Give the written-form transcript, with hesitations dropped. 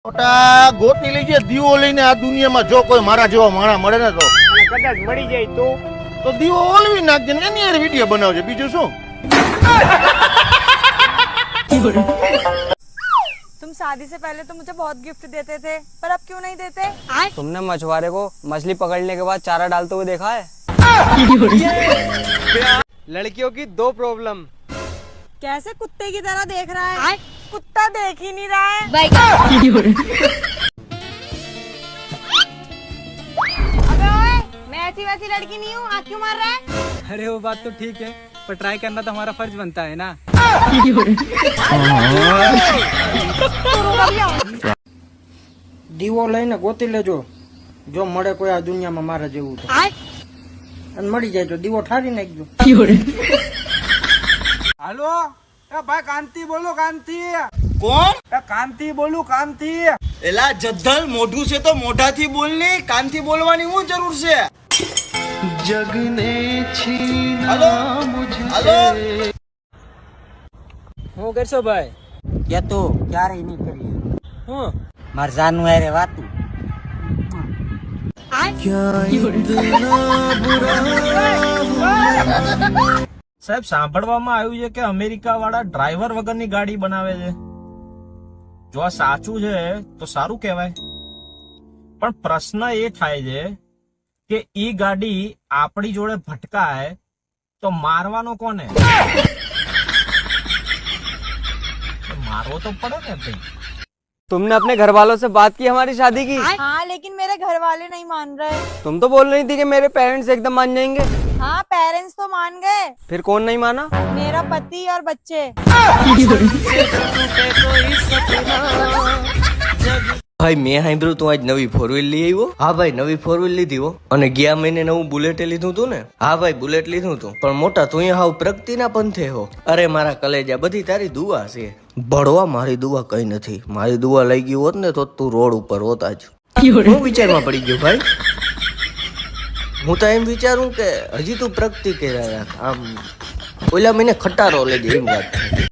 મોટા ગોતી લઈ જાય દીવો લઈને આ દુનિયામાં જો કોઈ મારા જેવો માણા મળે ને તો અને કદાચ મળી જાય તો દીવો ઓલવી નાખજે ને એની યાર વિડીયો બનાવજે બીજું શું। तुम शादी से पहले तो मुझे बहुत गिफ्ट देते थे पर अब क्यों नहीं देते? तुमने मछुआरे को मछली पकड़ने के बाद चारा डालते हुए देखा है? लड़कियों की दो प्रॉब्लम। कैसे कुत्ते की तरह देख रहा है? कुत्ता देख ही नहीं रहा है। अबे ओए, मैं ऐसी वैसी लड़की नहीं हूँ, आँख क्यों मार रहा है? अरे वो बात तो ठीक है पर ट्राई करना तो हमारा फर्ज बनता है ना। દીવો લઈને ગોતી લેજો જો મળે કોઈ આ દુનિયામાં મારા જેવું તો અને મળી જાય તો દીવો ઠારી નાખજો। હાલો એ ભાઈ કાંતિ બોલો કાંતિ કોણ એ કાંતિ બોલું કાંતિ એલા જદ્દલ મોઢું છે તો મોઢાથી બોલ ને કાનથી બોલવાની શું જરૂર છે। હાલો હાલો હું કરશો ભાઈ? કે તો ક્યારેય નહીં કરીએ હું માર જાનું હારે વાતું સાહેબ સાંભળવામાં આવ્યું છે કે અમેરિકા વાળા ડ્રાઈવર વગરની ગાડી બનાવે છે। જો આ સાચું છે તો સારું કહેવાય પણ પ્રશ્ન એ થાય છે કે ઈ ગાડી આપણી જોડે ભટકાય તો મારવાનો કોને? मारो तो पड़े ना भाई। तुमने अपने घर वालों से बात की हमारी शादी की? हाँ लेकिन मेरे घर वाले नहीं मान रहे। तुम तो बोल रही थी कि मेरे पेरेंट्स एकदम मान जाएंगे। हाँ पेरेंट्स तो मान गए, फिर कौन नहीं माना? मेरा पति और बच्चे। ભાઈ મેં સાંભળ્યું તું આજ નવી ફોર વ્હીલ લઈ આવ્યો? હા ભાઈ નવી ફોર વ્હીલ લીધી હો અને ગયા મહિને નવું બુલેટ લીધું તું ને? હા ભાઈ બુલેટ લીધું તું પણ મોટા તું હાવ પ્રગતિના પંથે હો। અરે મારા કલેજા બધી તારી દુઆ છે। ભણવા મારી દુઆ કઈ નથી, મારી દુઆ લઈ ગઈ હોત ને તો તું રોડ ઉપર હોત આજ। હું વિચારમાં પડી ગયો ભાઈ, હું તો એમ વિચારું કે હજી તું પ્રગતિ કર્યા આમ ઓલા મહિને ખટારો લઈ જાય એમ વાત।